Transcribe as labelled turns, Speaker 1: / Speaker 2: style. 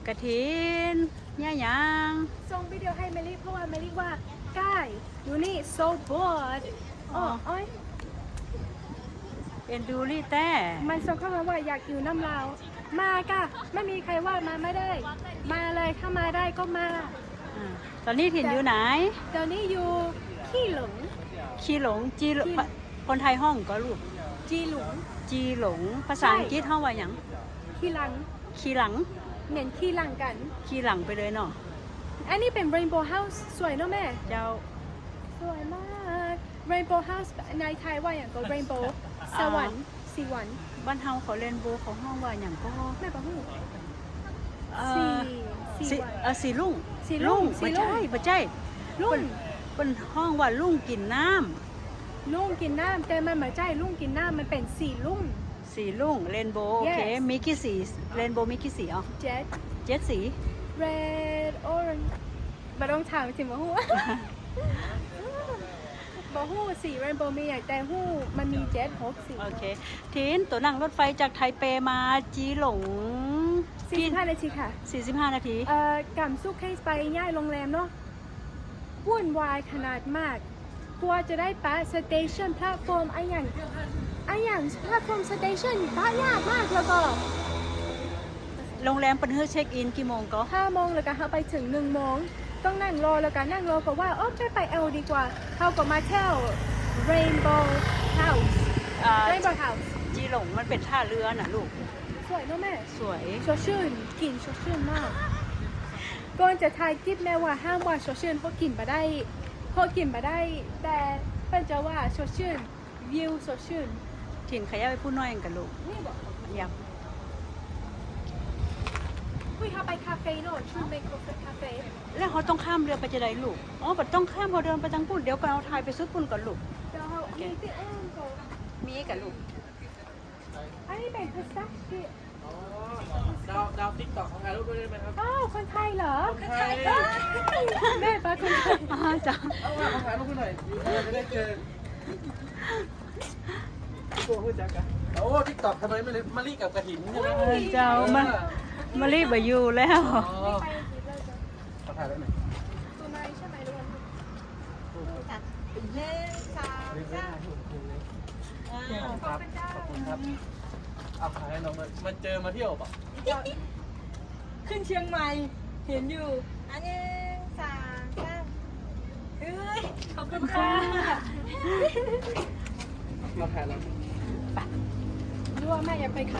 Speaker 1: กระถินเนี่ยยัง
Speaker 2: ส่งวิดีโอให้เมลี่เพราะว่าเมลี่ว่าใกล้อยู่นี่ so bored อ๋อโอ้ย
Speaker 1: เอ็นดูรี่แต่
Speaker 2: มันส่งเข้ามาว่าอยากอยู่น้ำลาวมาค่ะไม่มีใครว่ามาไม่ได้ มาเลยถ้ามาได้ก็มา
Speaker 1: ตอนนี้ถิ่นอยู่ไหน
Speaker 2: เดี๋ยวนี้อยู่ขี้หลง
Speaker 1: ชีหลงจีหลงคนไทยห้องก็ลูก
Speaker 2: จีหลง
Speaker 1: จีหลงภาษาอังกฤษห้องว่าหยัง
Speaker 2: ขี้หลัง
Speaker 1: ขี้หลัง
Speaker 2: เหม็นขี้หลังกัน
Speaker 1: ขี้หลังไปเลยเนาะ
Speaker 2: อันนี้เป็น Rainbow House สวยเนอะแม่
Speaker 1: เจ้า
Speaker 2: สวยมาก Rainbow House ในไทยว่าอย่างก็ Rainbow สวรรค์สีหวัน
Speaker 1: บ้านเฮาเขาเล่นโบเขาห้องว่าหยังก็
Speaker 2: แม่ปะหู
Speaker 1: เอ่
Speaker 2: สี
Speaker 1: อสีลุ่ง
Speaker 2: สีลุ่ง
Speaker 1: บ่ใช่บ่ใช่
Speaker 2: ลุง
Speaker 1: เป็นห้องว่าลุ่งกินน้
Speaker 2: ลุงกินน้ำแต่มันไม่ใช่ลุงกินน้ำมันเป็นสีลุง
Speaker 1: ำสีลุ่งเรนโบว์โอเค
Speaker 2: Yes
Speaker 1: มีกี่สีเรนโบว์มีกี่สีอ๋อ
Speaker 2: Jet
Speaker 1: 7 สี
Speaker 2: Red Orange มาต้องถามถึงมาหู มาหูสี Rainbow มีอย่างแต่หูมันมี Jet 6 สี
Speaker 1: โอเคทีนตัวนั่งรถไฟจากไทเปมาจีหลง
Speaker 2: 45 นาทีค่ะ
Speaker 1: 45 นาที
Speaker 2: กำซุกให้ไปย่ายโรงแรมเนาะวุ่นวายขนาดมากกลัวจะได้ปะสเตชันแพลตฟอร์มไอ้อย่างแพลตฟอร์มสเตชันปะยากมากแล้วก็
Speaker 1: โรงแรมเปิดให้เช็คอินกี่โมงก็
Speaker 2: 5 โมงแล้วก็เขาไปถึง 1 โมงต้องนั่งรอแล้วก็นั่งรอก็ว่าโอ้ไปเอลดีกว่าเขาก็มาเที่ยว Rainbow House
Speaker 1: อ่า
Speaker 2: Rainbow House
Speaker 1: จีหลงมันเป็นท่าเรือน่ะลูก
Speaker 2: สวยเนอะแม่
Speaker 1: สวย
Speaker 2: สดชื่นกลิ่นสดชื่นมากก่อนจะถ่ายคลิปแม่ว่าห้ามว่าสดชื่นเพราะกลิ่นมาได้แต่เป็นจะว่าสดชื่นวิวสดชื่น
Speaker 1: ถิ่นขยับไปพูดน้อยกันลูก
Speaker 2: นี่บอก
Speaker 1: อยาก
Speaker 2: คุยเขาไปคาเฟ่เนอะชูเมโคคาเฟ่
Speaker 1: แล้วเขาต้องข้ามเรือไปจะได้ลูกอ๋อบัดต้องข้ามเขาเดินไปทางปุ่นเดี๋ยวก่อนเอาถ่ายไปซุดปุ่นก่อนลูก
Speaker 2: เดี๋ยวเขามีที่อ้อมก่อน
Speaker 1: มีกับลูก
Speaker 2: อันนี้เป็นพิซซ่าที่
Speaker 3: ดาวติ๊กต็อกของถ่ายรูปด้วยได้ไหมครับ
Speaker 2: อ้าวคนไทยเหรอ
Speaker 3: คนไทย
Speaker 2: อ้าวแม่ป้าคนไทย
Speaker 1: อ๋อจ้ะ
Speaker 3: เอามาถ่ายรูปหน่อยจะได้เจอตัวพูดจักกันโอ้ติ๊กต็อกทำไมไม่เลยมารีกับกระถิ่นใช่ไหม
Speaker 1: เจ้ามารีบไปอยู่แล้ว
Speaker 3: อ๋อ
Speaker 2: ไปอีกเลยจ้ะ
Speaker 3: ขอถ่ายได้หน่อย
Speaker 2: ตัวไหนใช่ไหมลูก
Speaker 3: ครับขอบคุณครับเอาถ่ายให้น้องเลยมาเจอมาเที่ยวป่ะ
Speaker 2: ขึ้นเชียงใหม่เห็นอยู่
Speaker 4: อันนี้สามสาม
Speaker 2: เอ้ยขอบคุณค่ะ
Speaker 3: เราถ่ายแล้ว
Speaker 2: รู้ว่าแม่อยากไป